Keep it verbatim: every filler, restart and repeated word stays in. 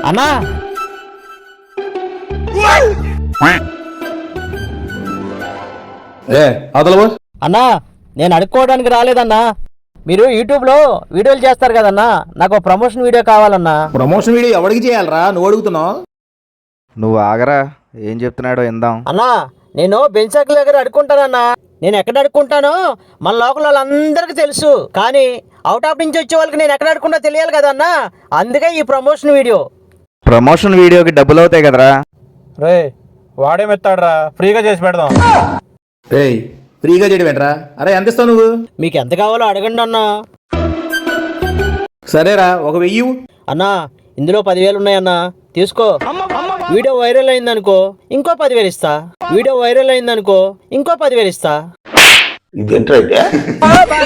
అన్నా ఏ అవతల అన్నా నేను అడుక్కోవడానికి రాలేదన్నా. మీరు యూట్యూబ్లో వీడియోలు చేస్తారు కదన్నా, నాకు ప్రమోషన్ వీడియో కావాలన్నా. ప్రమోషన్ వీడియో ఎవరికి చేయాలరా? నువ్వు అడుగుతున్నావు. నువ్వు ఆగరా, ఏం చెప్తున్నాడో ఇందాం. అన్నా నేను బెంచాకుల దగ్గర అడుక్కుంటానన్నా. నేను ఎక్కడ అడుక్కుంటానో మన లోకల్ వాళ్ళందరికీ తెలుసు, కానీ అవుట్ ఆఫ్ నుంచి వచ్చే వాళ్ళకి నేను ఎక్కడ అడుక్కుంటా తెలియాలి కదన్నా. అందుకే ఈ ప్రమోషన్ వీడియో. ప్రమోషన్ వీడియోకి డబ్బులు అవుతాయి కదరా. రే వాడేమెత్తాడరా, ఫ్రీగా చేసి పెడదాం. రే ఫ్రీగా చేయడం ఏంట్రా? అరే ఎంత ఇస్తావు నువ్వు? మీకు ఎంత కావాలో అడగండి అన్నా. సరేరా ఒక వెయ్యి. అన్నా ఇందులో పదివేలు ఉన్నాయన్నా, తీసుకో. వీడియో వైరల్ అయిందనుకో ఇంకో పదివేలు ఇస్తా. వీడియో వైరల్ అయిందనుకో ఇంకో పదివేలు ఇస్తా. ఇదేంట్రా?